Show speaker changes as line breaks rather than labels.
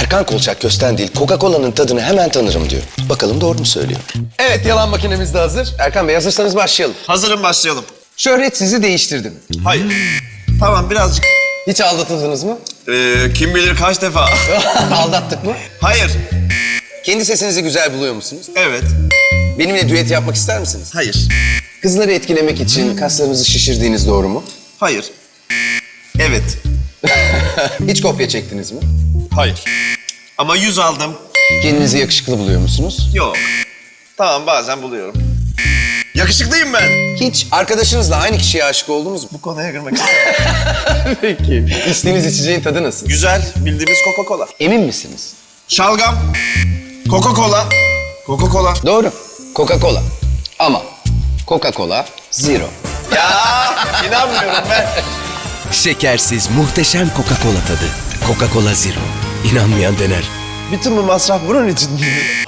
Erkan Kolçak Kösten değil, Coca-Cola'nın tadını hemen tanırım diyor. Bakalım doğru mu söylüyor? Evet, yalan makinemiz de hazır. Erkan Bey, hazırsanız başlayalım.
Hazırım, başlayalım.
Şöhret sizi değiştirdi mi?
Hayır. Tamam, birazcık.
Hiç aldatıldınız mı?
Kim bilir kaç defa.
Aldattık mı?
Hayır.
Kendi sesinizi güzel buluyor musunuz?
Evet.
Benimle düet yapmak ister misiniz?
Hayır.
Kızları etkilemek için kaslarınızı şişirdiğiniz doğru mu?
Hayır. Evet.
Hiç kopya çektiniz mi?
Hayır. Ama 100 aldım.
Kendinizi yakışıklı buluyor musunuz?
Yok. Tamam, bazen buluyorum. Yakışıklıyım ben.
Hiç arkadaşınızla aynı kişiye aşık oldunuz mu?
Bu konuya girmek istiyorum.
Peki. İçtiğiniz içeceğin tadı nasıl?
Güzel, bildiğimiz Coca-Cola.
Emin misiniz?
Şalgam. Coca-Cola. Coca-Cola.
Doğru. Coca-Cola. Ama Coca-Cola Zero.
Ya inanmıyorum ben.
Şekersiz muhteşem Coca-Cola tadı. Coca-Cola Zero. İnanmayan dener.
Bütün bu masraf bunun için mi?